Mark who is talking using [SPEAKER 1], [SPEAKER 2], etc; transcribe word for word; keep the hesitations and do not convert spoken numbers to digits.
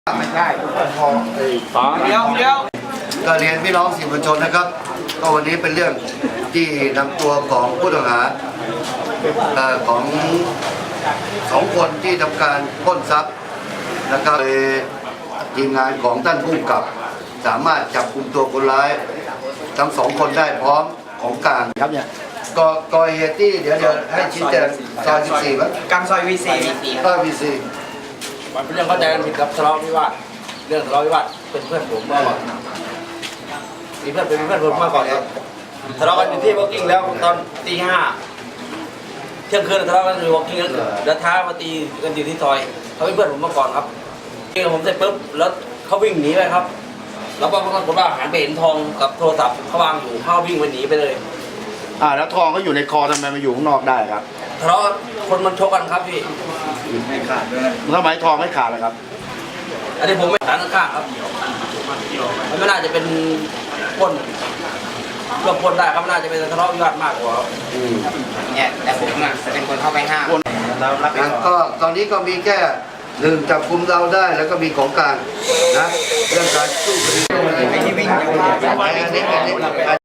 [SPEAKER 1] ไม่ใช่พอสองเดียวเดียวก็เรียนพี่น้องสื่อมวลชนนะครับก็วันนี้เป็นเรื่องที่นำตัวของผู้ต้องหาของสองคนที่ทำการปล้นทรัพย์นะครับทีมงานของท่านผู้กำกับสามารถจับกุมตัวคนร้ายทั้งสองคนได้พร้อมของกลางครับเนี่ยก่อก่อเหตุที่เดี๋ยวเดี๋ยวให้ชี้แจงซอยสิบสี่มั้ย
[SPEAKER 2] กลางซอยวีซี
[SPEAKER 1] เออวีซี
[SPEAKER 2] มันเป็นเรื่องเข้าใจกันผิดกับทะเลาะวิวาทเรื่องทะเลาะวิวาทเป็นเพื่อนผมมาก่อนมีเพื่อนเป็นเพื่อนผมมาก่อนครับทะเลาะกันอยู่ที่วอล์กกิ้งแล้วตอนตีห้าเที่ยงคืนทะเลาะกันอยู่วอล์กกิ้งแล้วเดินท้ามาตีกันอยู่ที่ซอยเขาเป็นเพื่อนผมมาก่อนครับตีกับผมเสร็จปุ๊บแล้วเขาวิ่งหนีไปครับแล้วก็ปรากฏว่าหันไปเห็นทองกับโทรศัพท์เขาวางอยู่เขาวิ่งไปหนีไปเลย
[SPEAKER 3] อ่าแล้วทองก็อยู่ในคอทำไมมาอยู่ข้างนอกได้ครับ
[SPEAKER 2] ทะเลาะคนมันชกกันครับพี่
[SPEAKER 3] ไม่ขาดด้วยทำไมทองไม่ขาดเลยครับ
[SPEAKER 2] อันนี้ผมไม่ต่างข้างครับมันไม่น่าจะเป็นปล้นรวมปล้นได้ครับน่าจะเป็นทะเลาะวิวาทมากกว่า
[SPEAKER 4] เนี่ยแต่ผมอ่ะเป็นคนเข้าไปห้าม
[SPEAKER 1] ก็ตอนนี้ก็มีแค่หนึ่งจับกุมเราได้แล้วก็มีของกลางนะเรื่องการสู้คดี